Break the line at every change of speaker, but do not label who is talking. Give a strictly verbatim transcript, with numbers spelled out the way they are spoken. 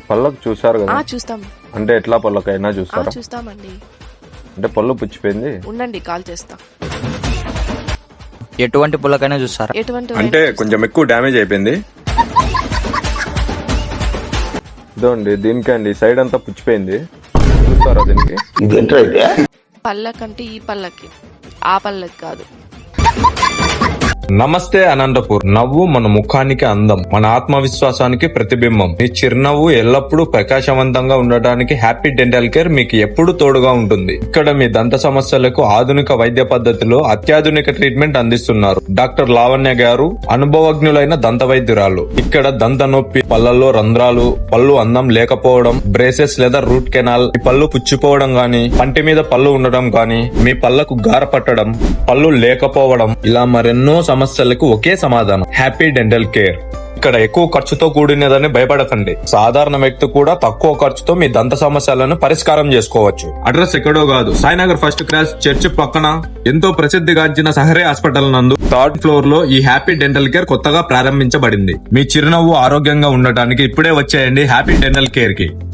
పళ్ళకు చూసారు కదా?
ఆ చూస్తాం.
అంటే ఎట్లా పళ్ళకైనా
ఆ
చూస్తారా?
చూస్తామండి.
అంటే పళ్ళు పుచ్చిపోయింది.
ఉండండి కాల్ చేస్తా.
ఎటువంటి పుల్లకైనా చూస్తారా?
ఎటువంటి
అంటే కొంచెం ఎక్కువ డ్యామేజ్ అయిపోయింది. ఇదండి దీనికి అండి సైడ్ అంతా పుచ్చిపోయింది. చూస్తారా దీనికి?
పళ్ళకంటే ఈ పళ్ళకి, ఆ పళ్ళకి కాదు.
నమస్తే అనంతపూర్. నవ్వు మన ముఖానికి అందం, మన ఆత్మవిశ్వాసానికి ప్రతిబింబం. మీ చిరునవ్వు ఎల్లప్పుడూ ప్రకాశవంతంగా ఉండటానికి హ్యాపీ డెంటల్ కేర్ మీకు ఎప్పుడు తోడుగా ఉంటుంది. ఇక్కడ మీ దంత సమస్యలకు ఆధునిక వైద్య పద్ధతిలో అత్యాధునిక ట్రీట్మెంట్ అందిస్తున్నారు. డాక్టర్ లావణ్య గారు అనుభవజ్ఞులైన దంత వైద్యురాలు. ఇక్కడ దంత నొప్పి, పళ్లలో రంధ్రాలు, పళ్ళు అందం లేకపోవడం, బ్రేసెస్ లేదా రూట్ కెనాల్, మీ పళ్ళు పుచ్చిపోవడం గాని, పంటి మీద పళ్ళు ఉండడం గాని, మీ పళ్లకు గార పట్టడం, పళ్ళు లేకపోవడం, ఇలా మరెన్నో సమస్యలకు ఒకే సమాధానం, హ్యాపీ డెంటల్ కేర్. ఇక్కడ ఎక్కువ ఖర్చుతో కూడినదని భయపడకండి. సాధారణ వ్యక్తి కూడా తక్కువ ఖర్చుతో మీ దంత సమస్యలను పరిష్కారం చేసుకోవచ్చు. అడ్రస్ ఎక్కడో కాదు, సాయినగర్ ఫస్ట్ క్లాస్ చర్చ్ పక్కన ఎంతో ప్రసిద్ధిగాంచిన సహరే హాస్పిటల్ నందు థర్డ్ ఫ్లోర్ లో ఈ హ్యాపీ డెంటల్ కేర్ కొత్తగా ప్రారంభించబడింది. మీ చిరునవ్వు ఆరోగ్యంగా ఉండటానికి ఇప్పుడే వచ్చేయండి హ్యాపీ డెంటల్ కేర్ కి.